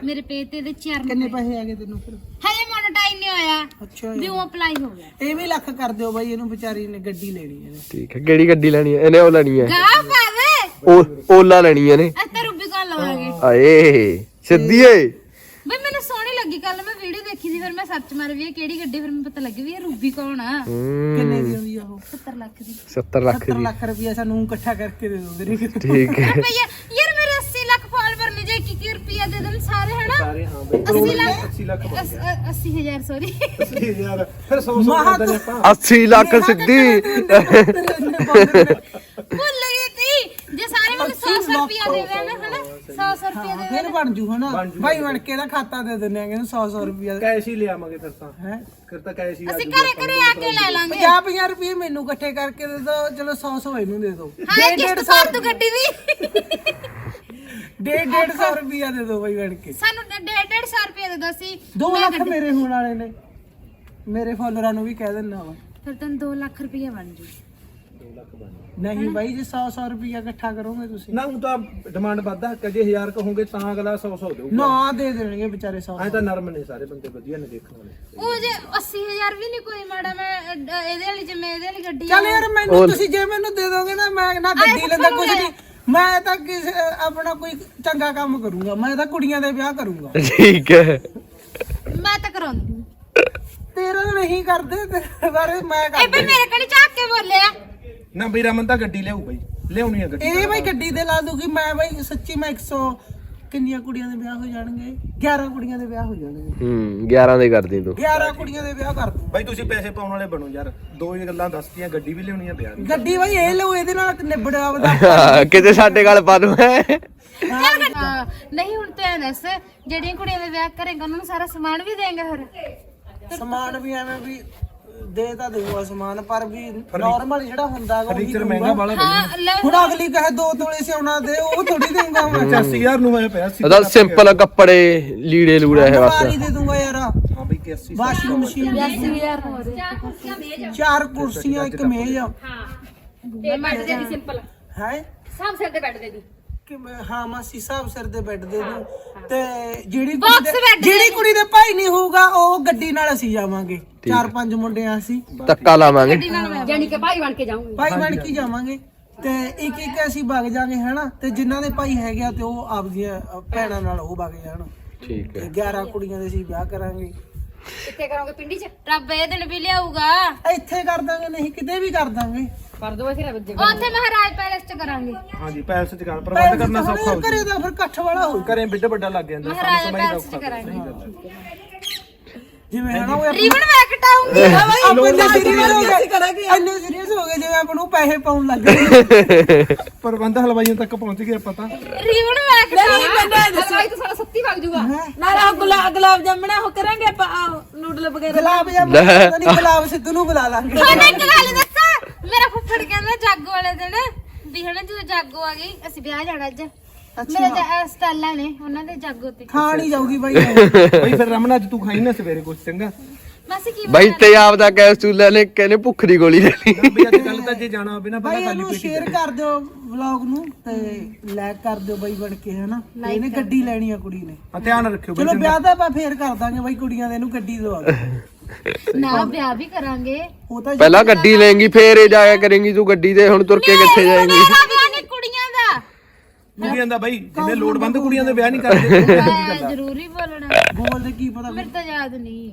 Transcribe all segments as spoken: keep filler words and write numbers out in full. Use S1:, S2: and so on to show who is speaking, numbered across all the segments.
S1: ਮੇਰੇ ਪੇ ਤੇ ਦੇ ਚਾਰ
S2: ਕਿੰਨੇ ਪੈਸੇ ਆ ਗਏ ਤੈਨੂੰ ਫਿਰ?
S1: ਹਜੇ ਮੋਨਟਾਈਜ਼ ਨਹੀਂ ਹੋਇਆ
S2: ਅੱਛਾ
S1: ਵੀ ਉਹ ਅਪਲਾਈ ਹੋ ਗਿਆ।
S2: ਇਹ ਵੀ ਲੱਖ ਕਰ ਦਿਓ ਬਾਈ, ਇਹਨੂੰ ਵਿਚਾਰੀ ਨੇ ਗੱਡੀ ਲੈਣੀ ਹੈ।
S3: ਠੀਕ ਹੈ, ਕਿਹੜੀ ਗੱਡੀ ਲੈਣੀ ਹੈ ਇਹਨੇ? ਉਹ ਲੈਣੀ ਹੈ
S1: ਗਾ ਪਾਵੇ
S3: ਉਹ ਓਲਾ ਲੈਣੀ ਹੈ ਨੇ।
S1: ਅਸ ਤਾਂ ਰੂਬੀ ਕੋਲ ਲਵਾਂਗੇ।
S3: ਆਏ ਸਿੱਧੀ ਏ
S1: ਬਈ ਮੈਨੂੰ ਸੋਹਣੀ ਲੱਗੀ, ਕੱਲ ਮੈਂ ਵੀਡੀਓ ਦੇਖੀ ਸੀ, ਫਿਰ ਮੈਂ ਸਰਚ ਮਾਰ ਵੀ ਇਹ ਕਿਹੜੀ ਗੱਡੀ, ਫਿਰ ਮੈਨੂੰ ਪਤਾ ਲੱਗ ਵੀ ਇਹ ਰੂਬੀ ਕੌਣ ਆ।
S2: ਕਿੰਨੇ ਦੀ ਆਉਂਦੀ ਆ ਉਹ?
S1: ਸੱਤਰ ਲੱਖ ਦੀ।
S3: ਸੱਤਰ ਲੱਖ
S2: ਸੱਤਰ
S3: ਦੀ।
S2: ਲੱਖ ਰੁਪਇਆ ਸਾਨੂੰ ਇਕੱਠਾ ਕਰਕੇ ਦੇ ਦੋ ਵੀਰੇ।
S3: ਠੀਕ ਹੈ
S1: ਰੁਪਈਆ ਯਾਰ ਮੇਰੇ ਅੱਸੀ ਲੱਖ ਫਾਲੋਅਰ ਨੇ ਜੇ ਕੀ ਕੀ ਰੁਪਈਆ ਦੇ ਦੇਣ ਸਾਰੇ ਹਨਾ।
S4: ਸਾਰੇ ਹਾਂ ਬਈ
S1: ਅੱਸੀ ਲੱਖ
S4: ਅੱਸੀ ਲੱਖ ਬਣ ਗਿਆ।
S1: ਅੱਸੀ ਹਜ਼ਾਰ ਸੌਰੀ
S4: ਅੱਸੀ ਹਜ਼ਾਰ ਫਿਰ ਸੌ ਸੌ ਕਰਦੇ ਨੇ ਆਪਾਂ।
S3: ਅੱਸੀ ਲੱਖ ਸਿੱਧੀ।
S1: ਭੁੱਲ ਗਈ ਤੀ ਜੇ ਸਾਰੇ ਮੈਨੂੰ ਸੌ ਸੌ ਰੁਪਈਆ ਦੇ ਦੇਣ ਹਨਾ, ਸੌ ਸੌ ਰੁਪਈਆ ਦੇ
S2: ਫਿਰ ਬਣ ਜੂ ਹਨਾ ਬਾਈ, ਬਣ ਕੇ ਦਾ ਖਾਤਾ ਦੇ ਦਿੰਦੇ ਆ ਕਿ ਸੌ ਸੌ ਰੁਪਇਆ
S4: ਕੈਸ਼ ਹੀ ਲਿਆਵਾਂਗੇ ਫਿਰ ਤਾਂ।
S2: ਹੈ।
S4: ਫਿਰ ਤਾਂ ਕੈਸ਼ ਹੀ ਆ
S1: ਅਸੀਂ ਘਰੇ ਘਰੇ ਆ ਕੇ ਲੈ ਲਾਂਗੇ।
S2: ਪੰਜਾਹ ਪੰਜਾਹ ਰੁਪਏ ਮੈਨੂੰ ਇਕੱਠੇ ਕਰਕੇ ਦੇ ਦੋ, ਚਲੋ ਸੌ ਸੌ ਇਹਨੂੰ ਦੇ ਦੋ।
S1: ਹਾਂ ਕਿਸ਼ਤ ਭਰ ਤੂੰ ਗੱਡੀ ਦੀ।
S2: ਡੇਢ ਡੇਢ ਸੌ ਰੁਪਇਆ ਦੇ ਦੋ ਬਾਈ ਬਣ ਕੇ।
S1: ਸਾਨੂੰ ਡੇਢ ਡੇਢ ਸੌ ਰੁਪਏ ਦੇ ਦੋ ਸੀ।
S2: ਦੋ ਲੱਖ ਮੇਰੇ ਹੋਣ ਵਾਲੇ ਨੇ, ਮੇਰੇ ਫਾਲੋਅਰਾਂ ਨੂੰ ਵੀ ਕਹਿ ਦਿੰਦਾ ਵਾ।
S1: ਫਿਰ ਤੈਨੂੰ ਦੋ ਲੱਖ ਰੁਪਈਆ ਬਣ ਜੂ।
S2: ਨਹੀਂ ਬਾਈ ਜੇ ਸੌ ਸੌ ਰੁਪਇਆ ਇਕੱਠਾ ਕਰੋਗੇ ਤੁਸੀਂ
S4: ਨਾ ਹੁਣ ਤਾਂ ਡਿਮਾਂਡ ਵੱਧਦਾ, ਕਦੇ ਹਜ਼ਾਰ ਕਹੋਗੇ ਤਾਂ ਅਗਲਾ ਸੌ ਸੌ ਦੇਊਗਾ।
S2: ਨਾ ਦੇ ਦੇਣਗੇ ਵਿਚਾਰੇ ਸੌ।
S4: ਐ ਤਾਂ ਨਰਮ ਨੇ ਸਾਰੇ ਬੰਦੇ, ਵਧੀਆ ਨੇ ਦੇਖਣ ਵਾਲੇ।
S1: ਉਹ ਜੇ ਅੱਸੀ ਹਜ਼ਾਰ ਵੀ ਨਹੀਂ ਕੋਈ ਮਾੜਾ, ਮੈਂ ਅ, ਇਹਦੇ ਵਾਲੀ ਜਿਵੇਂ ਇਹਦੇ ਵਾਲੀ ਗੱਡੀ
S2: ਚੱਲ ਯਾਰ ਮੈਨੂੰ ਤੁਸੀਂ ਜੇ ਮੈਨੂੰ ਦੇ ਦੋਗੇ ਨਾ, ਮੈਂ ਨਾ ਗੱਡੀ ਲੈਂਦਾ ਕੁਝ ਨਹੀਂ, ਮੈਂ ਤਾਂ ਕਿਸੇ ਆਪਣਾ ਕੋਈ ਚੰਗਾ ਕੰਮ ਕਰੂੰਗਾ, ਮੈਂ ਤਾਂ ਕੁੜੀਆਂ ਦੇ ਵਿਆਹ ਕਰੂੰਗਾ।
S3: ਠੀਕ ਹੈ
S1: ਮੈਂ ਤਾਂ ਕਰਾਉਂਦੀ।
S2: ਤੇਰਾ ਨਹੀਂ ਕਰਦੇ, ਤੇਰੇ ਬਾਰੇ ਮੈਂ
S1: ਇਹ
S2: ਕਰ।
S1: ਵੀ ਮੇਰੇ ਕੋਲ ਝਾਕ ਕੇ ਬੋਲਿਆ।
S4: ਨਾ ਬਈ ਰਮਨ ਤਾਂ ਗੱਡੀ ਲਿਆਊ ਬਈ, ਲਿਆਉਣੀ ਆ ਗੱਡੀ।
S2: ਇਹ ਬਾਈ ਗੱਡੀ ਦੇ ਲਾ ਦੂਗੀ ਮੈਂ ਬਾਈ, ਸੱਚੀ ਮੈਂ ਇੱਕ ਸੌ ਕਿੰਨੀਆਂ ਕੁੜੀਆਂ ਦੇ ਵਿਆਹ ਹੋ ਜਾਣਗੇ? ਗਿਆਰਾਂ ਕੁੜੀਆਂ ਦੇ ਵਿਆਹ ਹੋ ਜਾਣਗੇ।
S3: ਹੂੰ ਗਿਆਰਾਂ ਦੇ ਕਰਦੀ ਤੂੰ।
S2: ਗਿਆਰਾਂ ਕੁੜੀਆਂ ਦੇ ਵਿਆਹ ਕਰ ਦੂੰ
S4: ਬਈ ਤੁਸੀਂ ਪੈਸੇ ਪਾਉਣ ਵਾਲੇ ਬਣੋ ਯਾਰ, ਦੋ ਹੀ ਗੱਲਾਂ ਦੱਸਤੀਆਂ, ਗੱਡੀ ਵੀ ਲਿਆਉਣੀ ਆ ਵਿਆਹ ਦੀ।
S2: ਗੱਡੀ ਬਾਈ ਇਹ ਲਓ, ਇਹਦੇ ਨਾਲ ਨਿਬੜਿਆ ਵਧਾ।
S3: ਕਿਤੇ ਸਾਡੇ ਗੱਲ ਪਾ ਦੂੰ ਹੈ।
S1: ਹਾਂ, ਨਹੀਂ ਹੁਣ ਤੂੰ ਐਂ ਦੱਸ, ਜਿਹੜੀਆਂ ਕੁੜੀਆਂ ਦੇ ਵਿਆਹ ਕਰੇਗਾ ਉਹਨਾਂ ਨੂੰ ਸਾਰਾ ਸਮਾਨ ਵੀ ਦੇਂਗਾ ਫਿਰ?
S2: ਸਮਾਨ ਵੀ ਐਵੇਂ ਵੀ ਦੇ ਤਾਂ ਦਊਗਾ ਸਮਾਨ, ਪਰ ਵੀ ਨਾਰਮਲ ਜਿਹੜਾ ਹੁੰਦਾ ਗਾ ਉਹੀ
S4: ਫਰਨੀਚਰ ਮਹਿੰਗਾ ਵਾਲਾ
S1: ਹਾਂ ਲੈ
S2: ਹੁਣ ਅਗਲੀ ਕਹੇ ਦੋ ਤੋਲੇ ਸਿਉਣਾ ਦੇ, ਉਹ ਥੋੜੀ ਦੇਊਗਾ ਮੈਂ।
S4: ਪਚਾਸੀ ਹਜ਼ਾਰ ਨੂੰ ਮੈਂ ਪਿਆ ਸੀ।
S3: ਉਹਦਾ ਸਿੰਪਲ ਕੱਪੜੇ ਲੀੜੇ ਲੂੜਾ ਹੈ
S2: ਵਾਰੀ
S3: ਬਸ।
S2: ਦੇ ਦੂੰਗਾ ਯਾਰ।
S4: ਹਾਂ ਬਈ ਕਿ ਅੱਸੀ
S2: ਵਾਸ਼ਿੰਗ ਮਸ਼ੀਨ,
S1: ਅੱਸੀ ਹਜ਼ਾਰ ਹੋਰ।
S2: ਚਾਰ ਕੁਰਸੀਆਂ, ਇੱਕ ਮੇਜ਼
S5: ਤੇ ਬੈੱਡ ਦੇ ਦੀ ਸਿੰਪਲ
S2: ਹੈ
S5: ਸਭ ਸਿਰ ਦੇ ਬੈੱਡ ਦੇ ਦੀ
S2: ਕਿ ਮੈਂ- ਹਾਂ ਮਾਸੀ ਸਾਹਿਬ ਸਿਰ ਦੇ ਬੈੱਡ ਦੇ ਦੂੰ। ਤੇ ਜਿਹੜੀ ਕੁੜੀ
S1: Box
S2: ਦੇ
S1: bed ਦੇ
S2: ਜਿਹੜੀ ਕੁੜੀ ਦੇ ਭਾਈ ਨਹੀਂ ਹੋਊਗਾ ਉਹ ਗੱਡੀ ਨਾਲ ਅਸੀਂ ਜਾਵਾਂਗੇ, ਚਾਰ ਪੰਜ ਮੁੰਡੇ ਆ ਅਸੀਂ
S3: ਧੱਕਾ ਲਾਵਾਂਗੇ।
S5: ਜਾਨੀ ਕਿ ਭਾਈ ਬਣ ਕੇ ਜਾਊਂਗੀ।
S2: ਭਾਈ ਬਣ ਕੇ ਜਾਵਾਂਗੇ ਤੇ ਇੱਕ ਇੱਕ ਅਸੀਂ ਵਗ ਜਾਾਂਗੇ ਹਨਾ, ਤੇ ਜਿਨ੍ਹਾਂ ਦੇ ਭਾਈ ਹੈਗੇ ਆ ਤੇ ਉਹ ਆਪਦੀਆਂ ਭੈਣਾਂ ਨਾਲ ਉਹ ਵਗ ਜਾਣ।
S3: ਠੀਕ
S2: ਤੇ
S3: ਹੈ
S2: ਗਿਆਰਾਂ ਕੁੜੀਆਂ ਦੇ ਅਸੀਂ ਵਿਆਹ ਕਰਾਂਗੇ।
S5: ਕਿੱਥੇ ਕਰੋਗੇ? ਪਿੰਡੀ 'ਚ
S1: ਰੱਬ ਇਹ ਦਿਨ ਵੀ ਲਿਆਊਗਾ।
S2: ਇੱਥੇ ਕਰ ਦਾਂਗੇ, ਨਹੀਂ ਕਿਤੇ ਵੀ ਕਰ ਦਾਂਗੇ।
S5: ਕਰ ਦੋ ਫਿਰ ਵੱਜੇ
S1: ਉੱਥੇ ਮਹਾਰਾਜ ਪੈਲੇਸ ਚ ਕਰਾਂਗੇ।
S4: ਹਾਂਜੀ ਪੈਲਸ ਚ ਕਰ ਪ੍ਰਬੰਧ ਕਰਨਾ ਸੌਖਾ ਹੋ
S2: ਘਰੇ ਦਾ ਫਿਰ ਇਕੱਠ ਵਾਲਾ ਹੋ
S4: ਘਰੇ ਬਿੱਡ ਵੱਡਾ ਲੱਗ ਜਾਂਦਾ,
S1: ਮਹਾਰਾਜ
S4: ਸਮਝ
S1: ਪੈਲੇਸ ਚ
S4: ਔਖਾ
S1: ਕਰਾਂਗੇ।
S2: ਜਿਵੇਂ ਹਨਾ ਉਹ
S1: ਰੀਵਨ ਮੈਂ ਕਟਾਉਂਗੀ।
S2: ਆਪਾਂ ਸੀਰੀਅਸ ਹੋ ਗਏ, ਇੰਨੇ ਸੀਰੀਅਸ ਹੋ ਗਏ ਜਿਵੇਂ ਆਪਾਂ ਨੂੰ ਪੈਸੇ ਪਾਉਣ ਲੱਗ ਗਏ।
S4: ਪ੍ਰਬੰਧ ਹਲਵਾਈਆਂ ਤੱਕ ਪਹੁੰਚ ਗਿਆ ਪਤਾ।
S1: ਰੀਵਨ ਮੈਂ ਕਟਾਉਂਗੀ।
S5: ਹਲਵਾਈ ਤਾਂ ਸਾਡਾ ਸੱਤੀ ਵਗ ਜੂਗਾ।
S6: ਨਾਲੇ ਗੁਲਾਬ ਗੁਲਾਬ ਜਾਮਣਾ ਉਹ ਕਰਾਂਗੇ ਆਪਾਂ ਨੂਡਲ ਵਗੈਰਾ।
S2: ਗੁਲਾਬ ਜਾਮੁਨ ਨਹੀਂ, ਗੁਲਾਬ ਸਿੱਧੂ ਨੂੰ ਬੁਲਾ ਲਾਂਗੇ।
S1: ਤੁਹਾਨੂੰ ਇੱਕ ਗੱਲ ਦੱਸਾਂ, ਮੇਰਾ ਫੁੱਫੜ ਕਹਿੰਦਾ ਜਾਗੋ ਵਾਲੇ ਦਿਨ ਵੀ ਹਨਾ ਜਦੋਂ ਜਾਗੋ ਆ ਗਈ ਅਸੀਂ ਵਿਆਹ ਜਾਣਾ ਅੱਜ। ਮੇਰੇ ਸਟਾਲਾਂ ਨੇ ਉਹਨਾਂ ਦੇ ਜਾਗੋ ਤੇ
S2: ਖਾਣ ਹੀ ਜਾਊਗੀ ਬਾਈ।
S4: ਬਈ ਫਿਰ ਰਮਨ ਅੱਜ ਤੂੰ ਖਾਈ ਨਾ ਸਵੇਰੇ ਕੁਛ ਚੰਗਾ।
S1: ਬਸ ਕੀ
S3: ਬਾਈ ਤੇ ਆਪ ਦਾ ਕੈਪਸੂਲ ਨੇ ਕਹਿੰਦੇ ਭੁੱਖ ਦੀ ਗੋਲੀ ਲੈ ਲਈ।
S4: ਨਾ ਬਈ ਅੱਜ ਕੱਲ ਤਾਂ ਜੇ ਜਾਣਾ ਹੋਵੇ ਨਾ
S2: ਬਾਈ
S4: ਪਹਿਲਾਂ ਖਾਲੀ
S2: ਇਹਨੂੰ
S4: ਪੇਟ ਹੀ
S2: ਸ਼ੇਅਰ ਕਰ ਦਿਓ ਵਲੌਗ ਨੂੰ ਤੇ ਲਾਈਕ ਕਰ ਦਿਓ ਬਾਈ ਬਣ ਕੇ ਹਨਾ। ਇਹਨੇ ਗੱਡੀ ਲੈਣੀ ਆ ਕੁੜੀ ਨੇ।
S4: ਹਾਂ, ਧਿਆਨ ਰੱਖਿਓ ਬਈ
S2: ਚਲੋ ਵਿਆਹ ਤਾਂ ਆਪਾਂ ਫੇਰ ਕਰ ਦਾਂਗੇ ਬਾਈ, ਕੁੜੀਆਂ ਦੇ ਇਹਨੂੰ ਗੱਡੀ ਦਵਾ ਦੇ।
S1: ਨਾ ਵਿਆਹ ਵੀ ਕਰਾਂਗੇ।
S2: ਉਹ ਤਾਂ
S3: ਪਹਿਲਾਂ ਗੱਡੀ ਲੈਂਗੀ ਫੇਰ ਇਹ ਜਾਇਆ ਕਰੇਂਗੀ ਤੂੰ ਗੱਡੀ ਤੇ, ਹੁਣ ਤੁਰ ਕੇ ਕਿੱਥੇ ਜਾਏਂਗੀ?
S1: ਮੇਰਾ ਵਿਆਹ ਨਹੀਂ ਕੁੜੀਆਂ ਦਾ।
S4: ਕੁੜੀਆਂ ਦਾ ਬਈ ਜਿਵੇਂ ਲੋੜਵੰਦ ਕੁੜੀਆਂ ਦੇ ਵਿਆਹ ਨਹੀਂ ਕਰਦੇ।
S1: ਮੈਂ ਜ਼ਰੂਰੀ ਬੋਲਣਾ।
S2: ਬੋਲਦੇ ਕੀ ਪਤਾ
S1: ਮੇਰੇ ਤਾਂ ਯਾਦ ਨਹੀਂ।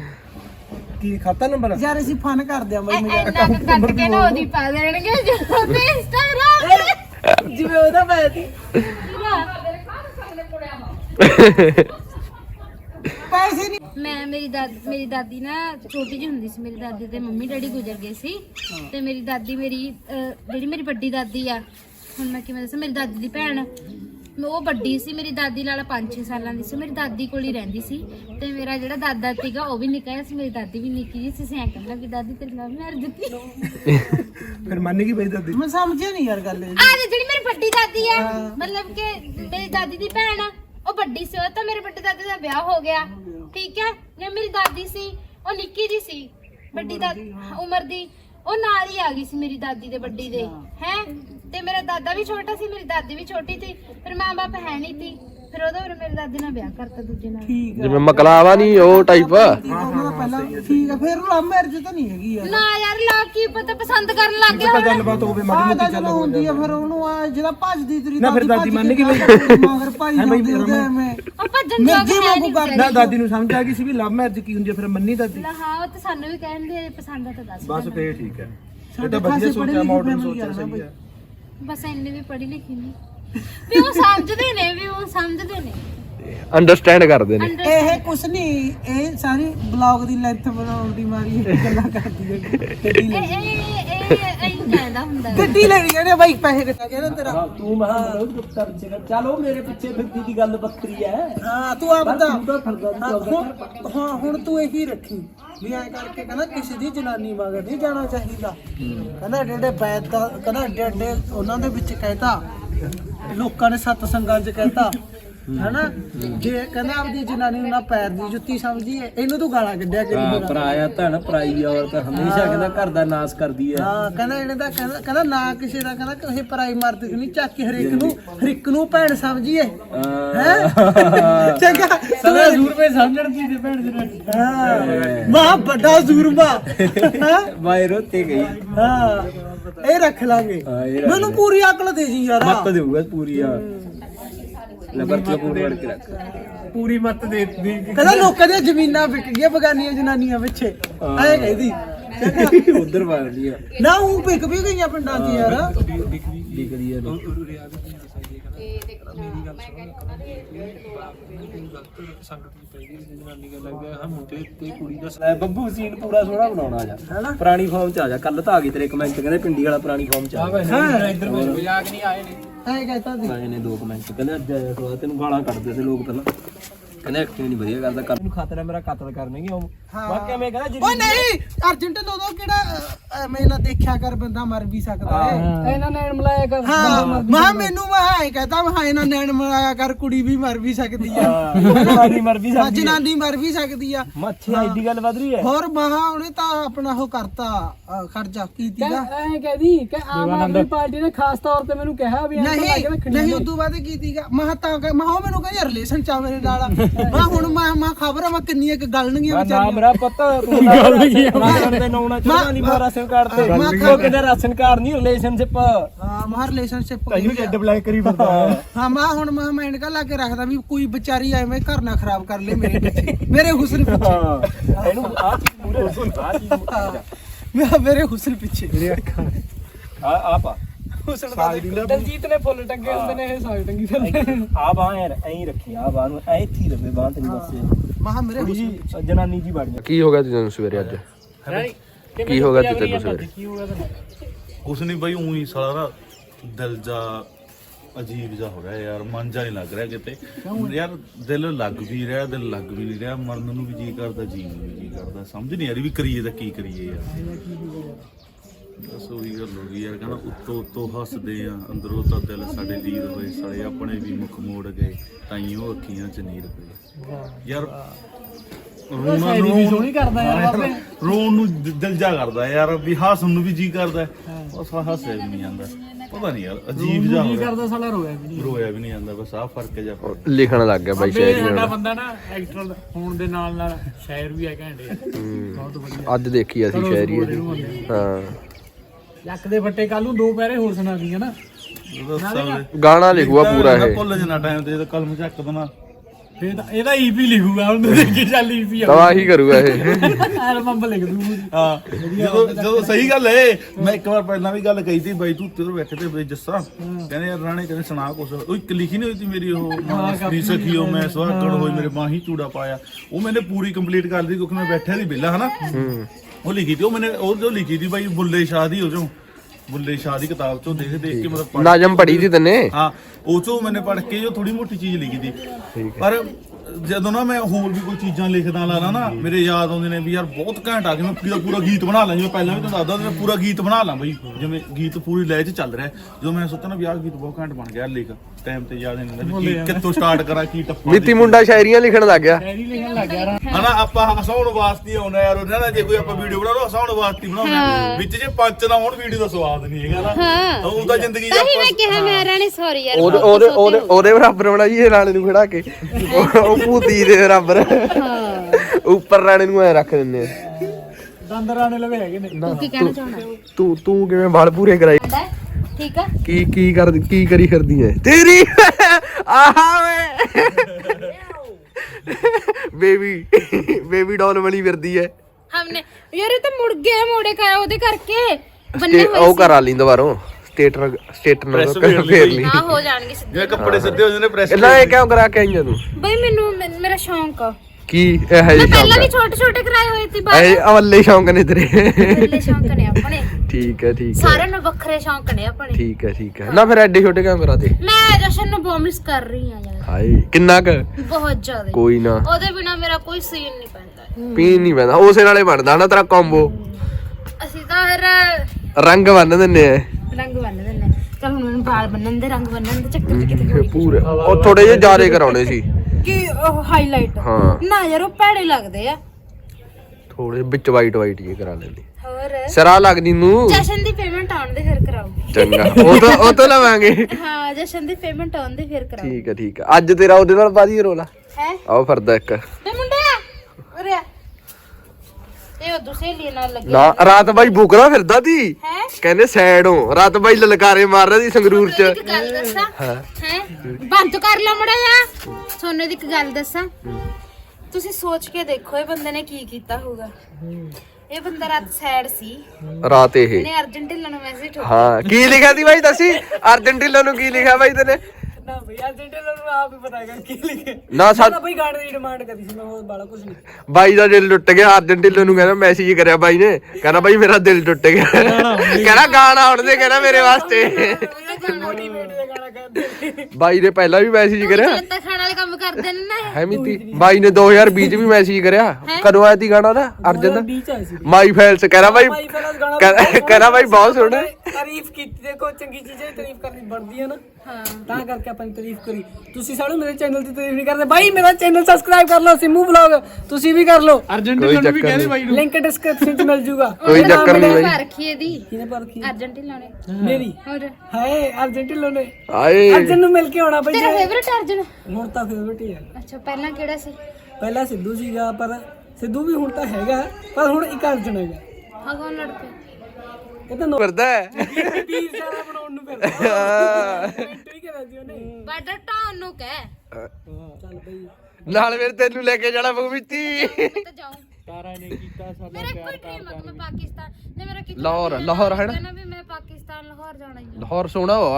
S4: ਕੀ ਖਾਤਾ ਨੰਬਰ?
S2: ਯਾਰ ਅਸੀਂ ਫਨ ਕਰਦੇ ਆ ਬਾਈ।
S1: ਇੰਨਾ ਕੁ ਕੱਟ ਕੇ ਨਾ ਉਹਦੀ ਪਾ ਦੇਣਗੇ ਜਦੋਂ ਤੇ ਇੰਸਟਾਗ੍ਰਾਮ
S6: ਜਿਵੇਂ ਉਹਦਾ ਪਾਇਆ ਸੀ।
S2: ਪੈਸੇ ਨਹੀਂ।
S1: ਮੈਂ ਮੇਰੀ ਦਾਦੀ ਮੇਰੀ ਦਾਦੀ ਨਾ ਛੋਟੀ ਜਿਹੀ ਹੁੰਦੀ ਸੀ, ਮੇਰੀ ਦਾਦੀ ਤੇ ਮੰਮੀ ਡੈਡੀ ਗੁਜ਼ਰ ਗਏ ਸੀ ਤੇ ਮੇਰੀ ਦਾਦੀ ਮੇਰੀ ਅਹ, ਜਿਹੜੀ ਮੇਰੀ ਵੱਡੀ ਦਾਦੀ ਆ, ਹੁਣ ਮੈਂ ਕਿਵੇਂ ਦੱਸਾਂ, ਮੇਰੀ ਦਾਦੀ ਦੀ ਭੈਣ ਉਹ ਵੱਡੀ ਸੀ ਮੇਰੀ ਦਾਦੀ ਨਾਲ ਪੰਜ ਛੇ ਸਾਲਾਂ ਦੀ ਸੀ। ਮੇਰੀ ਦਾਦੀ ਕੋਲ ਹੀ ਰਹਿੰਦੀ ਸੀ ਤੇ ਮੇਰਾ ਜਿਹੜਾ ਦਾਦਾ ਸੀਗਾ ਉਹ ਵੀ ਨਿੱਕਾ ਜਿਹਾ ਸੀ, ਮੇਰੀ ਦਾਦੀ ਵੀ ਨਿੱਕੀ ਜਿਹੀ ਸੀ। ਅਸੀਂ ਐਂ ਕਹਿੰਦਾ ਵੀ ਦਾਦੀ ਤੇਰੀ ਲਵ ਮੈਰਿਜ ਦਿੱਤੀ।
S4: ਫਿਰ ਮੰਨ ਗਈ ਬਈ ਦਾਦੀ।
S2: ਮੈਂ ਸਮਝਿਆ ਨਹੀਂ ਯਾਰ ਗੱਲ ਇਹ।
S1: ਆ ਜਿਹੜੀ ਮੇਰੀ ਵੱਡੀ ਦਾਦੀ ਆ, ਮਤਲਬ ਕਿ ਮੇਰੀ ਦਾਦੀ ਦੀ ਭੈਣ ਆ, ਉਹ ਵੱਡੀ ਸੀ, ਉਹ ਤਾਂ ਮੇਰੇ ਵੱਡੇ ਦਾਦੇ ਦਾ ਵਿਆਹ ਹੋ ਗਿਆ, ਠੀਕ ਹੈ। ਜੇ ਮੇਰੀ ਦਾਦੀ ਸੀ ਉਹ ਨਿੱਕੀ ਜੀ ਸੀ, ਵੱਡੀ ਦਾਦੀ ਉਮਰ ਦੀ, ਉਹ ਨਾਲ ਹੀ ਆ ਗਈ ਸੀ ਮੇਰੀ ਦਾਦੀ ਦੇ ਵੱਡੀ ਦੇ ਹੈ। ਤੇ ਮੇਰਾ ਦਾਦਾ ਵੀ ਛੋਟਾ ਸੀ, ਮੇਰੀ ਦਾਦੀ ਵੀ ਛੋਟੀ ਸੀ, ਫਿਰ ਮਾਂ ਬਾਪ ਹੈ ਨਹੀਂ ਸੀ, ਫਿਰ ਉਹਦਾ ਫਿਰ ਮੇਰੀ ਦਾਦੀ ਨਾਲ ਵਿਆਹ ਕਰਤਾ ਦੂਜੇ ਨਾਲ।
S2: ਠੀਕ ਆ
S3: ਜਿਵੇਂ ਮਕਲਾਵਾ ਨਹੀਂ ਉਹ ਟਾਈਪ
S2: ਉਹਨਾਂ ਦਾ ਪਹਿਲਾਂ ਠੀਕ ਆ ਫਿਰ ਲਵ ਮੈਰਿਜ ਤਾਂ ਨਹੀਂ ਹੈਗੀ ਯਾਰ
S1: ਨਾ ਯਾਰ ਲਾ ਕੀ ਪਤਾ ਪਸੰਦ ਕਰਨ ਲੱਗ ਗਿਆ
S4: ਤਾਂ
S1: ਹੁਣ।
S4: ਗੱਲਬਾਤ ਹੋਵੇ
S2: ਆਹ
S4: ਮਾੜੀ
S2: ਤਾਂ
S4: ਮੋਟੀ
S2: ਚਲੋ ਹੁੰਦੀ ਆ ਫਿਰ ਉਹਨੂੰ ਆ ਜਿਹੜਾ ਭੱਜਦੀ ਤੇਰੀ
S4: ਨਾ ਫਿਰ ਦਾਦੀ ਮੰਨ ਗਈ ਬਈ।
S2: ਮਗਰ ਭਾਈ ਜਾਂਦੇ ਉਹਦੇ ਐਵੇਂ
S1: ਉਹ ਭੱਜਣ ਜੋਗ
S2: ਮਿਰਜੀ
S1: ਹੈ
S2: ਵਾਂਗੂ
S1: ਨਹੀਂ
S2: ਕਰ
S4: ਨਾ ਦਾਦੀ ਨੂੰ ਸਮਝ ਆ ਗਈ ਸੀ ਵੀ ਲਵ ਮੈਰਿਜ ਕੀ ਹੁੰਦੀ ਆ, ਫਿਰ ਮੰਨੀ ਦਾਦੀ।
S1: ਲਾ ਹਾਂ ਉਹ ਤਾਂ ਸਾਨੂੰ ਵੀ ਕਹਿੰਦੇ ਆ, ਪਸੰਦ ਆ ਤਾਂ ਦੱਸ
S4: ਬਸ ਫੇਰ ਠੀਕ ਹੈ। ਇਹ
S2: ਸਾਡੇ
S4: ਤਾਂ ਵਧੀਆ
S2: ਖਾਸੇ
S4: ਸੋਚਿਆ,
S2: ਪੜ੍ਹੇ
S4: ਮਾਡਰਨ
S2: ਲਿਖੇ
S4: ਸੋਚਿਆ
S2: family
S4: ਸਹੀ
S2: ਆ
S4: ਹੈ।
S1: ਬਸ ਇੰਨੇ ਵੀ ਪੜ੍ਹੀ ਲਿਖੀ ਨਹੀਂ ਵੀ ਉਹ ਸਮਝਦੇ ਨੇ ਵੀ ਉਹ ਸਮਝਦੇ ਨੇ
S3: ਅੰਡਰਸਟੈਂਡ ਕਰਦੇ ਨੇ।
S1: ਅੰਡਰ
S2: ਇਹ ਕੁਛ ਨਹੀਂ ਇਹ ਸਾਰੀ ਬਲੌਗ ਦੀ ਲੈਂਥ ਬਣਾਉਣ ਦੀ ਮਾਰੀ ਇਹ ਗੱਲਾਂ ਕਰਦੀ ਹੈ ਗੱਡੀ
S1: ਇਹ
S2: ਲੈ
S1: ਇਹ ਇਹ ਐਂ ਕਹਿੰਦਾ ਹੁੰਦਾ ਵਾ।
S2: ਗੱਡੀ ਲੈਣੀ ਇਹਨੇ ਬਾਈ ਪੈਸੇ ਕਿੱਥੇ ਗਏ ਨਾ ਤੇਰਾ
S7: ਤੂੰ ਮਹਾ ਚੁੱਪ ਕਰ ਜਗਾ ਚਲੋ ਮੇਰੇ ਪਿੱਛੇ ਫਿਰਦੀ ਦੀ ਗੱਲ ਬੱਕਰੀ ਐ
S2: ਹਾਂ ਤੂੰ ਆ ਬਤਾ
S7: ਤੂੰ ਤਾਂ ਫਿਰਦਾ ਤੂੰ
S2: ਹਾਂ,
S7: ਆਪਦਾ
S2: ਹੁਣ- ਹਾਂ ਹੁਣ ਤੂੰ ਇਹੀ ਰੱਖੀ ਵੀ ਐ ਕਰਕੇ ਕਹਿੰਦਾ ਕਿਸੇ ਦੀ ਜਨਾਨੀ ਮਗਰ ਨਹੀਂ ਜਾਣਾ ਚਾਹੀਦਾ ਕਹਿੰਦਾ ਡੇਡੇ ਬੈਦ ਦਾ ਕਹਿੰਦਾ ਡੇਡੇ ਉਹਨਾਂ ਦੇ ਵਿੱਚ ਕਹਿਤਾ ਲੋਕਾਂ ਨੇ ਸੱਤ ਸੰਗਾਂ 'ਚ ਕਹਿਤਾ ਹੈਨਾ ਜੇ ਕਹਿੰਦਾ ਆਪਦੀ ਜਨਾਨੀ ਨੂੰ ਨਾ ਪੈਰ ਦੀ ਜੁੱਤੀ ਸਮਝੀਏ ਇਹਨੂੰ ਤੂੰ ਗਾਲਾਂ ਕੱਢਿਆ ਕਰੀ
S7: ਭਰਾ
S2: ਫਿਰ।
S7: ਪਰਾਇਆ ਧਨ ਪਰਾਈ ਔਰਤ ਹਮੇਸ਼ਾ ਕਹਿੰਦਾ ਘਰ ਦਾ ਨਾਸ ਕਰਦੀ ਐ
S2: ਹਾਂ ਕਹਿੰਦਾ ਇਹਨੇ ਦਾ ਕਹਿੰਦਾ ਕਹਿੰਦਾ ਨਾ ਕਿਸੇ ਦਾ ਕਹਿੰਦਾ ਕਿਸੇ ਪਰਾਈ ਮਰਦ ਨਹੀਂ ਚੱਕ ਕੇ ਹਰੇਕ ਨੂੰ ਹਰੇਕ ਨੂੰ ਭੈਣ ਸਮਝੀਏ ਹੈ ਚੰਗਾ
S7: ਸਦਾ ਜ਼ੂਰਮੇ ਸਮਝਣ ਦੀ ਤੇ ਭੈਣ ਦੇ ਨਾਲ
S2: ਹਾਂ ਮਾ ਵੱਡਾ ਜ਼ੁਰਮਾ ਹਾਂ
S7: ਬਾਈ ਰੋਤੇ ਗਈ
S2: ਹਾਂ ਇਹ ਰੱਖ ਲਾਂਗੇ
S7: ਹਾਂ, ਇਹ ਰੱਖ
S2: ਮੈਨੂੰ ਪੂਰੀ ਅਕਲ ਦੇ ਜੀ ਯਾਰ
S7: ਮੱਤ ਦੇਊਗਾ ਪੂਰੀ ਆ ਲਬਰ ਤੇ ਪੂਰੀ ਵੜ ਕੇ ਰੱਖ
S4: ਪੂਰੀ ਮੱਤ ਦੇ ਦਿੱਤੀ।
S2: ਕਹਿੰਦਾ ਲੋਕਾਂ ਦੀਆਂ ਜ਼ਮੀਨਾਂ ਵਿਕ ਗਈਆਂ ਬਗਾਨੀਆਂ ਜਨਾਨੀਆਂ ਪਿੱਛੇ ਐ ਕਹਿੰਦੀ
S7: ਉਧਰ ਮਾਰਦੀ ਆ
S2: ਨਾ ਉਹ ਵਿਕ ਵੀ ਗਈਆਂ ਪਿੰਡਾਂ 'ਚ ਯਾਰ
S7: ਦਿਖਦੀ ਆ ਲੈ ਬੱਬੂ ਸੀਨ ਪੂਰਾ ਸੋਹਣਾ ਬਣਾਉਣਾ ਜਾ
S2: ਹੈਨਾ
S7: ਪੁਰਾਣੀ ਫਾਰਮ ਚ ਆ ਜਾ ਕੱਲ ਤਾਂ ਆ ਗਈ ਤੇਰੇ ਕਮੈਂਟ ਕਹਿੰਦੇ ਪਿੰਡੀ ਵਾਲਾ ਪੁਰਾਣੀ ਫਾਰਮ ਚ ਆ
S2: ਹਾਂ
S7: ਇੱਧਰ ਮਜ਼ਾਕ ਨਹੀਂ ਆਏ ਨੇ
S2: ਐ ਕਹਿੰਦਾ ਸੀ
S7: ਆਏ ਨੇ ਦੋ ਕਮੈਂਟ ਕਹਿੰਦੇ ਅੱਜ ਆਇਆ ਸਵਾਦ ਤੈਨੂੰ ਗਾਲਾਂ ਕੱਢਦੇ ਸੀ ਲੋਕ ਪਹਿਲਾਂ ਕਹਿੰਦੇ ਐਕਟਿੰਗ ਨਹੀਂ ਵਧੀਆ ਕਰਦਾ ਕਰ ਨੂੰ ਖਾਤਰ ਮੇਰਾ ਕਤਲ ਕਰਨਗੇ ਉਹ ਵਾਕਿਆ ਮੈਂ ਕਹਿੰਦਾ
S2: ਓਏ ਨਹੀਂ ਅਰਜੈਂਟ ਉਦੋਂ ਕਿਹੜਾ ਮੈਂ ਨਾ ਦੇਖਿਆ ਕਰ ਬੰਦਾ ਮਰ ਵੀ ਸਕਦਾ ਹੈ
S7: ਇਹਨਾਂ ਨੇ ਮਲਾਇਆ ਕਰ
S2: ਹਾਂ ਮਾ ਮੈਨੂੰ ਮੈਂ ਐ ਕਹਤਾ ਮੈਂ ਇਹਨਾਂ ਨੈਣ ਮਰਾਇਆ ਕਰ ਕੁੜੀ ਵੀ ਮਰ ਵੀ ਸਕਦੀ ਆ
S7: ਜਨਾਨੀ ਮਰ ਵੀ
S2: ਹਾਂ,
S7: ਸਕਦੀ ਹੈ
S2: ਜਨਾਨੀ ਮਰ ਵੀ ਸਕਦੀ ਆ
S7: ਮੱਛੀ ਐਡੀ ਗੱਲ ਵੱਧ ਰਹੀ ਹੈ
S2: ਹੋਰ ਮਹਾ ਉਹਨੇ ਤਾਂ ਆਪਣਾ ਉਹ ਕਰਤਾ ਅ, ਖਰਚਾ ਕੀਤੀਗਾ
S7: ਐਂ ਕਹਦੀ ਕਿ ਆਮ ਆਦਮੀ ਪਾਰਟੀ ਨੇ ਖਾਸ ਤੌਰ ਤੇ ਮੈਨੂੰ ਕਿਹਾ ਵੀ
S2: ਨਹੀਂ ਨਹੀਂ ਉਦੋਂ ਬਾਅਦ ਕੀਤੀਗਾ ਮਹਾ ਤਾਂ ਕਿ- ਮਹਾ ਉਹ ਮੈਨੂੰ ਕਹਿੰਦਾ ਰਿਲੇਸ਼ਨ ਚਾ ਮੇਰੇ ਨਾਲ ਮੈਂ ਹੁਣ ਮੈਂ ਮੈਂ ਖਬਰ ਆ ਮੈਂ ਕਿੰਨੀਆਂ ਕਿ ਗਲਣਗੀਆਂ
S7: ਨਾ
S2: ਵਿਚਾਰੀਆਂ
S7: ਮੇਰਾ ਪੁੱਤ ਤੂੰ ਗੱਲ ਕੀ ਰਾਸ਼ਨ ਦੇ ਨਾਉਣਾ ਚਾਹਦਾ ਨਹੀਂ ਮੈਂ ਰਾਸ਼ਨ ਕਾਰਡ ਤੇ
S2: ਮੈਂ
S7: ਉਹ ਕਹਿੰਦਾ ਰਾਸ਼ਨ ਕਾਰਡ ਨਹੀਂ ਰਿਲੇਸ਼ਨਸ਼ਿਪ
S2: ਹਾਂ ਮਹਾ ਰਿਲੇਸ਼ਨਸ਼ਿਪ
S4: ਤੈਨੂੰ ਜੱਡ ਬਲੈਕ ਕਰੀ ਫਿਰਦਾ।
S2: ਹਾਂ ਮੈਂ ਹੁਣ ਮੈਂ ਮੈਂ ਇਨਕਾ ਲਾ ਕੇ ਰੱਖਦਾ ਵੀ ਕੋਈ ਵਿਚਾਰੀ ਐਵੇਂ ਘਰ ਨਾ ਖਰਾਬ ਕਰ ਲੇ ਮੇਰੇ ਪਿੱਛੇ ਮੇਰੇ ਹੁਸਨ ਪਿੱਛੇ
S7: ਹਾਂ ਇਹਨੂੰ ਆ ਚੀਜ਼ ਪੂਰੇ ਆ ਚੀਜ਼
S2: ਮੈਂ ਮੇਰੇ ਹੁਸਨ ਪਿੱਛੇ
S7: ਆ ਆ ਪਾ
S2: ਹੁਸਨ ਦਾ
S7: ਦਲਜੀਤ ਨੇ ਫੁੱਲ ਟੰਗੇ ਹੁੰਦੇ ਨੇ ਇਹ ਸਾਗ ਟੰਗੀ ਫਿਰਦੇ ਆ ਬਾਹ ਯਾਰ ਐਂ ਰੱਖੀ ਆ ਬਾਹ ਨੂੰ ਐ ਇੱਥੇ ਹੀ ਰਵੇ ਬਾਹ ਤੈਨੂੰ ਦੱਸੇ
S2: ਮਹਾ ਮੇਰੇ
S7: ਥੋੜੀ ਜੀ ਜਨਾਨੀ ਜੀ ਬਣ ਜਾ
S3: ਕੀ ਹੋ ਗਿਆ ਤੈਨੂੰ ਸਵੇਰੇ ਅੱਜ ਕੀ ਹੋ ਗਿਆ ਤੈਨੂੰ ਸਵੇਰੇ
S8: ਕੁਛ ਨਹੀਂ ਬਾਈ ਉਹੀ ਸਾਰਾ ਦਿਲ ਜਾ ਅਜੀਬ ਜਾ ਹੋ ਰਿਹਾ ਯਾਰ ਮਨ ਜਾ ਨਹੀਂ ਲੱਗ ਰਿਹਾ ਕਿਤੇ ਯਾਰ ਦਿਲ ਲੱਗ ਵੀ ਰਿਹਾ ਦਿਲ ਲੱਗ ਵੀ ਨਹੀਂ ਰਿਹਾ ਮਰਨ ਨੂੰ ਵੀ ਜੀ ਕਰਦਾ ਜੀਣ ਨੂੰ ਵੀ ਜੀ ਕਰਦਾ ਸਮਝ ਨਹੀਂ ਆ ਰਹੀ ਵੀ ਕਰੀਏ ਤਾਂ ਕੀ ਕਰੀਏ ਯਾਰ ਬਸ ਉਹੀ ਗੱਲ ਹੋ ਗਈ ਯਾਰ ਕਹਿੰਦਾ ਉੱਤੋਂ ਉੱਤੋਂ ਹੱਸਦੇ ਆ ਅੰਦਰੋਂ ਤਾਂ ਦਿਲ ਸਾਡੇ ਲੀਰ ਹੋਏ ਸਾਲੇ ਆਪਣੇ ਵੀ ਮੁਖ ਮੋੜ ਗਏ ਤਾਈਓ ਅੱਖੀਆਂ ਚ ਨੀਰ ਪਈ ਯਾਰ ਰੋਣਾ ਨੂੰ ਸੋਹਣੀ ਕਰਦਾ ਯਾਰ ਰੋਣ ਨੂੰ ਦ- ਦਿਲ ਜਾ ਕਰਦਾ ਯਾਰ ਵੀ ਹੱਸਣ ਨੂੰ ਵੀ ਜੀ ਕਰਦਾ ਬਸ ਹੱਸਿਆ ਵੀ ਨਹੀਂ ਜਾਂਦਾ ਪਤਾ ਨਹੀਂ ਯਾਰ ਅਜੀਬ ਜਿਹਾ ਹੋ ਗਿਆ
S7: ਸਾਲਾ ਰੋਇਆ ਵੀ ਨਹੀਂ
S8: ਰੋਇਆ ਵੀ ਨਹੀਂ ਜਾਂਦਾ ਬਸ ਆਹ ਫਰਕ ਜਿਹਾ ਪਿਆ।
S3: ਲਿਖਣ ਲੱਗ ਗਿਆ ਬਾਈ ਸ਼ਾਇਰੀ ਹੁਣ
S9: ਬੰਦਾ ਨਾ ਐਕਟਰ ਹੋਣ ਦੇ ਨਾਲ ਨਾਲ ਸ਼ਾਇਰ ਵੀ ਹੈ ਘੈਂਡੇ
S3: ਹੂੰ। ਅੱਜ ਦੇਖੀ ਅਸੀਂ ਸ਼ਾਇਰੀ ਇਹਦੀ ਹਾਂ
S9: ਲੱਕ ਦੇ ਫੱਟੇ ਕੱਲ ਨੂੰ ਦੋ ਪੈਰੇ ਹੋਰ ਸੁਣਾ ਦੀਆਂ ਨਾ
S8: ਉਹਦਾ ਸਾਲੇ
S3: ਗਾਣਾ ਲਿਖੂਗਾ ਪੂਰਾ ਇਹ
S8: ਭੁੱਲ ਜਨਾ ਟਾਈਮ ਤੇ ਕਲਮ ਚੱਕ ਦਣਾ
S9: ਫੇਰ ਤਾਂ ਇਹਦਾ ਈਪੀ ਲਿਖੂਗਾ ਹੁਣ ਤੂੰ ਦੇਖੀ ਚੱਲ ਈਪੀ
S3: ਤਬਾਹੀ ਕਰੂਗਾ ਇਹ
S9: ਐਲਬਮ ਲਿਖ ਦੂੰ
S8: ਹਾਂ ਜਦੋਂ ਜਦੋਂ ਸਹੀ ਗੱਲ ਏ ਮੈਂ ਇੱਕ ਵਾਰ ਪਹਿਲਾਂ ਵੀ ਗੱਲ ਕਹੀ ਸੀ ਬਾਈ ਤੂੰ ਤੇ ਬੈਠੇ ਤੇ ਬਈ ਜੱਸਾ ਕਹਿੰਦੇ ਯਾਰ ਰਾਣੇ ਕਹਿੰਦੇ ਸੁਣਾ ਕੁਛ ਉਹ ਇੱਕ ਲਿਖੀ ਨਹੀਂ ਹੋਈ ਸੀ ਮੇਰੀ ਉਹ ਨੀ ਸਖੀਓ ਮੈਂ ਸੁਹਾਗਣ ਹੋਈ ਮੇਰੇ ਬਾਹੀਂ ਚੂੜਾ ਪਾਇਆ ਉਹ ਮੈਨੇ ਪੂਰੀ ਕੰਪਲੀਟ ਕਰ ਲਈ ਕਿਉਂਕਿ ਮੈਂ ਬੈਠਿਆ ਸੀ ਵਿਹਲਾ ਹਨਾ ਉਹ ਲਿਖੀ ਤੀ ਉਹ ਮੈਨੇ ਉਹ ਜੋ ਲਿਖੀ ਤੀ ਬਾਈ ਬੁੱਲੇ ਸ਼ਾਹ ਦੀ ਉਹ ਚੋਂ ਬੁੱਲੇ ਸ਼ਾਹ ਦੀ ਕਿਤਾਬ ਚੋਂ ਦੇਖ ਦੇਖ ਕੇ ਮਤਲਬ ਪੜ੍ਹ-
S3: ਨਾਜ਼ਮ ਪੜੀ ਸੀ ਤੈਨੇ
S8: ਹਾਂ ਉਹ ਚੋਂ ਮੈਨੇ ਪੜ੍ਹ ਕੇ ਜੋ ਥੋੜੀ ਮੋਟੀ ਚੀਜ਼ ਲਿਖੀ ਤੀ ਪਰ ਜਦੋਂ ਨਾ ਮੈਂ ਹੋਰ ਵੀ ਕੋਈ ਚੀਜ਼ਾਂ ਲਿਖਦਾ ਲਾਣਾ ਨਾ ਮੇਰੇ ਯਾਦ ਆਉਂਦੇ ਨੇ ਵੀ ਯਾਰ ਬਹੁਤ ਘੈਂਟ ਆ ਗਿਆ ਮੈਂ ਪੂਰਾ ਪੂਰਾ ਗੀਤ ਬਣਾ ਲਾਂ ਜਿਵੇਂ ਪਹਿਲਾਂ ਵੀ ਤੁਹਾਨੂੰ ਦੱਸਦਾ ਮੈਂ ਪੂਰਾ ਗੀਤ ਬਣਾ ਲਾਂ ਬਈ ਜਿਵੇਂ ਗੀਤ ਪੂਰੀ ਲੈ ਚ ਚੱਲ ਰਿਹਾ ਜਦੋਂ ਮੈਂ ਸੋਚਿਆ ਨਾ ਵੀ ਆਹ ਗੀਤ ਬਹੁਤ ਘੈਂਟ ਬਣ ਗਿਆ ਲਿਖ ਟਾਈਮ ਤੇ ਯਾਦ ਨਹੀਂ ਰਹਿੰਦਾ ਵੀ ਕੀ ਕਿੱਥੋਂ ਸਟਾਰਟ ਕਰਾਂ ਕੀ ਟੱਪਾਂ
S3: ਮਿੱਤੀ ਮੁੰਡਾ ਸ਼ਾਇਰੀਆਂ ਲਿਖਣ ਲੱਗ ਗਿਆ
S9: ਸ਼ਾਇਰੀ ਲਿਖਣ ਲੱਗ ਗਿਆ
S8: ਹਨਾ ਆਪਾਂ ਹਸਾਉਣ ਵਾਸਤੇ ਆਉਣਾ ਯਾਰ ਉਹਨਾਂ ਨਾਲ ਜੇ ਕੋਈ ਆਪਾਂ ਵੀਡੀਓ ਬਣਾ ਲਓ ਹਸਾਉਣ ਵਾਸਤੇ ਬਣਾਉਣਾ ਵਿੱਚ ਜੇ ਪੰਚ ਨਾ ਹੋਣ ਵੀਡੀਓ ਦਾ ਸਵਾਦ ਨਹੀਂ ਹੈਗਾ ਨਾ
S1: ਹਾਂ
S8: ਉਹ ਤਾਂ ਜ਼ਿੰਦਗੀ
S1: ਤਾਂ ਹੀ
S8: ਆਪਾਂ
S1: ਮੈਂ ਕਿਹਾ ਮੈਂ ਰਾਣੀ ਸੌਰੀ ਯਾਰ
S3: ਉਹਦੇ ਉਹਦੇ ਉਹਦੇ ਉਹਦੇ ਬਰਾਬਰ ਬਣਾਈ ਇਹ ਰਾਣੇ ਨੂੰ ਖੜਾ ਕੇ ਉਹ ਉਹ ਭੂਤੀ ਦੇ ਬਰਾਬਰ ਉੱਪਰ ਰਾਣੇ ਨੂੰ ਐ ਰੱਖ ਦਿੰਦੇ ਆ
S9: ਦੰਦ ਰਾਣੇ ਲਵੇ ਹੈਗੇ ਨੇ
S1: ਤੂੰ ਕੀ ਕਹਿਣਾ ਚਾਹੁੰਦਾ
S3: ਤੂੰ ਤੂੰ ਕਿਵੇਂ ਵਾਲ ਪੂਰੇ ਕਰਾਈ
S1: ਠੀਕ ਆ
S3: ਕੀ ਕੀ ਕਰ ਕੀ ਕਰੀ ਫਿਰਦੀ ਐ ਤੇਰੀ ਆਹਾ ਵੇ ਬੇਬੀ ਬੇਬੀ ਡਾਲ ਬਣੀ ਫਿਰਦੀ ਐ
S1: ਹਮਨੇ ਯਾਰ ਇਹ ਤਾਂ ਮੁੜ ਗਿਆ ਮੋੜੇ ਕਰ ਉਹਦੇ ਕਰਕੇ ਬੰਨੇ
S3: ਤੇ
S1: ਹੋਏ
S3: ਉਹ ਕਰਾ ਲਈ ਦੁਬਾਰੋਂ ਸਟੇਟਰ ਸਟੇਟਰ ਨਾਲ ਫੇਰ ਲਈ
S1: ਹਾਂ ਹੋ ਜਾਣਗੇ ਸਿੱਧੇ
S8: ਜਿਹੜੇ ਕੱਪੜੇ ਸਿੱਧੇ ਹੋ ਜਾਂਦੇ ਨੇ ਪ੍ਰੈਸ
S3: ਇਹਨਾਂ ਇਹ ਕਿਉਂ ਕਰਾ ਕੇ ਆਈਆਂ ਤੂੰ
S1: ਬਈ ਮੈਨੂੰ ਮੈ- ਮੇਰਾ ਸ਼ੌਂਕ ਆ
S3: ਕੀ ਇਹ ਹੈ
S1: ਮੈਂ
S3: ਜੀ
S1: ਪਹਿਲਾਂ ਵੀ
S3: ਸ਼ੌਂਕ
S1: ਛੋਟੇ ਛੋਟੇ ਕਰਾਏ ਹੋਏ ਸੀ
S3: ਐ
S1: ਬਾਅਦ
S3: ਅਵੱਲੇ ਸ਼ੌਂਕ ਨੇ ਤੇਰੇ
S1: ਪਹਿਲੇ ਸ਼ੌਂਕ ਨੇ ਆਪਣੇ
S3: ਠੀਕ ਹੈ ਠੀਕ ਹੈ
S1: ਸਾਰਿਆਂ ਨੂੰ ਵੱਖਰੇ ਸ਼ੌਂਕ ਨੇ ਆਪਣੇ
S3: ਠੀਕ ਹੈ ਠੀਕ ਹੈ ਨਾ ਫਿਰ ਐਡੇ ਛੋਟੇ ਕਿਉਂ ਕਰਾਤੇ
S1: ਮੈਂ ਜਸ਼ਨ ਨੂੰ ਪ੍ਰੋਮਿਸ ਕਰ ਰਹੀ ਹਾਂ ਯਾਰ
S3: ਹਾਏ ਕਿੰਨਾ ਕੁ
S1: ਬਹੁਤ ਜ਼ਿਆਦਾ
S3: ਕੋਈ ਨਾ
S1: ਉਹਦੇ ਬਿਨਾ ਮੇਰਾ ਕੋਈ ਸੀਨ ਨਹੀਂ ਪੈਂਦਾ
S3: ਪੀਣ ਨਹੀਂ ਪੈਂਦਾ ਉਸੇ ਨਾਲੇ ਬਣਦਾ ਨਾ ਤੇਰਾ ਕੰਬੋ
S1: ਅਸੀਂ ਤਾਂ ਫਿਰ
S3: ਰੰਗ ਬੰਨ ਦਿੰਨੇ ਆ
S1: ਰੰਗ ਬੰਨ ਦਿੰਦੇ ਚਲ ਹੁਣ ਮੈਨੂੰ ਵਾਲ ਬੰਨਣ ਦੇ ਰੰਗ ਬੰਨਣ ਦੇ ਚੱਕਰ ਚ ਕਿਤੇ
S3: ਪੂਰੇ ਉਹ ਥੋੜੇ ਜਿਹੇ ਜਾਰੇ ਕਰਾਉਣੇ ਸੀ
S1: ਕਿ ਉਹ ਹਾਈਲਾਈਟ
S3: ਹਾਂ
S1: ਨਾ ਯਾਰ ਉਹ ਭੈੜੇ ਲੱਗਦੇ ਆ
S3: ਥੋੜੇ ਵਿੱਚ ਵਾਈਟ ਵਾਈਟ ਜੇ ਕਰਾ ਲੈਂਦੇ
S1: ਹੋਰ
S3: ਸਰਾ ਲੱਗਦੀ ਨੂੰ
S1: ਜਸ਼ਨ ਦੀ ਪੇਮੈਂਟ ਆਉਣ ਦੇ ਫਿਰ ਕਰਾਉ
S3: ਚੰਗਾ ਉਹ ਤਾਂ ਉਹ ਤਾਂ ਲਵਾਂਗੇ
S1: ਹਾਂ ਜਸ਼ਨ ਦੀ ਪੇਮੈਂਟ ਆਉਣ ਦੇ ਫਿਰ ਕਰਾਉ
S3: ਠੀਕ ਹੈ ਠੀਕ ਹੈ ਅੱਜ ਤੇਰਾ ਉਹਦੇ ਨਾਲ ਬਾਦੀ ਰੋਲਾ
S1: ਹੈ
S3: ਆਓ ਫਰਦਾ ਇੱਕ
S1: ਤੇ ਮੁੰਡਿਆ ਉਰੇ ਆ ਇਹ ਉਹ ਦੂਸਰੇ ਲਈ ਨਾਲ ਲੱਗੇ
S3: ਨਾ ਰਾਤ ਬਾਈ ਬੁਕਰਾ ਫਿਰਦਾ ਸੀ
S1: ਹੈ
S3: ਕਹਿੰਦੇ ਸੈਡ ਹੋ ਰਾਤ ਬਾਈ ਲਲਕਾਰੇ ਮਾਰ ਰਿਹਾ ਸੀ ਸੰਗਰੂਰ ਚ
S1: ਇੱਕ ਗੱਲ ਦੱਸਾਂ ਹੈ ਬੰਦ ਕਰ ਲਾ ਮੜਾ ਜਾ ਸੋਨੇ ਦੀ ਇੱਕ ਗੱਲ ਦੱਸਾਂ ਤੁਸੀਂ ਸੋਚ ਕੇ ਦੇਖੋ ਇਹ ਬੰਦੇ ਨੇ ਕੀ ਕੀਤਾ ਹੋਊਗਾ ਇਹ ਬੰਦਾ ਰਾਤ ਸੈਡ ਸੀ
S3: ਰਾਤ ਇਹ
S1: ਇਹਨੇ ਅਰਜਨ ਢਿੱਲੋਂ ਨੂੰ ਮੈਸੇਜ ਠੋਕਿਆ
S3: ਹਾਂ ਕੀ ਲਿਖਿਆ ਸੀ ਬਾਈ ਦੱਸੀ ਅਰਜਨ ਢਿੱਲੋਂ ਨੂੰ ਕੀ ਲਿਖਿਆ ਬਾਈ ਤੇਨੇ
S2: ਨਾ ਬਈ ਅਰਜੈਂਟੀਨਾ ਨੂੰ ਆਪ ਹੀ ਪਤਾ ਹੈਗਾ ਕੀ ਲਿਖੇ
S3: ਨਾ ਸੱਚ
S2: ਬਈ ਗਾਣੇ ਦੀ ਡਿਮਾਂਡ ਕਰੀ ਸੀ ਮੈਂ ਹੋਰ ਬਾਲਾ ਕੁਝ ਨਹੀਂ
S3: ਬਾਈ ਦਾ ਦਿਲ ਟੁੱਟ ਗਿਆ ਅਰਜਨ ਢਿੱਲੋਂ ਨੂੰ ਕਹਿੰਦਾ ਮੈਸੇਜ ਕਰਿਆ ਬਾਈ ਨੇ ਕਹਿੰਦਾ ਬਾਈ ਮੇਰਾ ਦਿਲ ਟੁੱਟ ਗਿਆ ਕਹਿੰਦਾ ਗਾਣਾ ਆਉਣ ਦੇ ਕਹਿੰਦਾ ਮੇਰੇ ਵਾਸਤੇ
S2: ਮੋਟੀਵੇਟ ਦਾ ਗਾਣਾ ਕਰਦੇ
S3: ਬਾਈ ਨੇ ਪਹਿਲਾਂ ਵੀ ਮੈਸੇਜ ਕਰਿਆ
S1: ਲੱਤਾਂ ਖਾਣ ਵਾਲੇ ਕੰਮ ਕਰਦੇ ਨੇ ਨਾ ਇਹ।
S3: ਹੈ ਮਿੱਤੀ ਬਾਈ ਨੇ ਦੋ ਹਜ਼ਾਰ ਵੀਹ ਚ ਵੀ ਮੈਸੇਜ ਕਰਿਆ ਕਦੋਂ ਆਇਆ ਸੀ ਗਾਣਾ ਦਾ ਅਰਜਨ ਦਾ
S2: ਬੀਚ ਆਈ ਸੀ
S3: ਮਾਈ ਫਾਈਲਸ ਕਹਿੰਦਾ ਬਾਈ
S2: ਭਾਈ ਪਹਿਲਾਂ ਗਾਣਾ
S3: ਕਹਿੰਦਾ ਕਹਿੰਦਾ ਬਾਈ ਬਹੁਤ ਸੋਹਣਾ
S2: ਤਾਰੀਫ ਕੀਤੀ ਦੇਖੋ ਚੰਗੀ ਚੀਜ਼ਾਂ ਦੀ ਤਾਰੀਫ ਕਰਨੀ ਬਣਦੀ ਹੈ ਨਾ ਹਾਂ ਤਾਂ ਕਰਕੇ ਆਪਾਂ ਨੇ ਤਾਰੀਫ ਕਰੀ ਤੁਸੀਂ ਸਾਰੇ ਮੇਰੇ ਚੈਨਲ ਦੀ ਤਾਰੀਫ ਨਹੀਂ ਕਰਦੇ ਬਾਈ ਮੇਰਾ ਚੈਨਲ ਸਬਸਕ੍ਰਾਈਬ ਕਰ ਲਓ ਸਿੰਮੂ ਵਲੌਗ ਤੁਸੀਂ ਵੀ ਕਰ ਲਓ
S9: ਅਰਜੈਂਟੀਨਾ ਨੂੰ ਵੀ ਕਹਿੰਦੇ ਬਾਈ ਨੂੰ
S2: ਲਿੰਕ ਡਿਸਕ੍ਰਿਪਸ਼ਨ 'ਚ ਮਿਲ ਜੂਗਾ
S3: ਕੋਈ ਚੱਕਰ ਨਹੀਂ ਬਾਈ
S1: ਪਾ ਰੱਖੀ ਇਹਦੀ
S2: ਕਿਹਨੇ ਪਰਖੀ
S1: ਅਰਜਨ ਢਿੱਲੋਂ ਨੇ
S2: ਮੇਰੀ
S1: ਹੋਰ
S2: ਹਾਏ ਅਰਜੈਂਟੀਨਾ ਨੇ
S3: ਆਏ
S2: ਅਰਜਨ ਨੂੰ ਮਿਲ ਕੇ ਆਉਣਾ ਬਈ
S1: ਤੇਰਾ ਫੇਵਰਿਟ ਅਰਜਨ
S2: ਹੁਣ ਤਾਂ ਫੇਵਰਟ ਹੀ ਹੈ
S1: ਅੱਛਾ ਪਹਿਲਾਂ ਕਿਹੜਾ ਸੀ
S2: ਪਹਿਲਾਂ ਸਿੱਧੂ ਸੀਗਾ ਪਰ ਸਿੱਧੂ ਵੀ ਹੁਣ ਤਾਂ ਹੈਗਾ ਪਰ ਹੁਣ ਇੱਕ ਅਰਜਨ ਹੈਗਾ
S1: ਹਾਂ ਕੌਣ ਲੜ ਪਿਆ
S2: ਇਹ ਤਾਂ ਨੋ-
S3: ਫਿਰਦਾ ਹੈ।
S2: ਵੀਰ ਸਾਰਾ ਬਣਾਉਣ ਨੂੰ ਫਿਰਦਾ ਮਿੰਟੂ ਹੀ ਕਰਾ ਦਿਓ ਨੇ
S1: ਬਟ ਟਾਉਨ ਨੂੰ ਕਹਿ
S2: ਚੱਲ ਬਈ
S3: ਨਾਲ ਫਿਰ ਤੈਨੂੰ ਲੈ ਕੇ ਜਾਣਾ ਪਊ ਮਿੱਤੀ
S1: ਮੈਂ ਤਾਂ ਜਾਊਂ
S9: ਤਾਰਾ ਨੇ ਕੀਤਾ ਸਾਡਾ
S1: ਮੇਰਾ ਕੋਈ ਡ੍ਰੀਮ ਹੈ ਕਿ ਮੈਂ ਪਾਕਿਸਤਾਨ ਜੇ ਮੇਰਾ ਕਿਤੇ
S3: ਲਾਹੌਰ ਲਾਹੌਰ ਹੈ ਨਾ
S1: ਨਾ ਵੀ ਮੈਂ ਪਾਕਿਸਤਾਨ ਲਾਹੌਰ ਜਾਣਾ ਹੀ ਆ।
S3: ਲਾਹੌਰ ਸੋਹਣਾ ਵਾ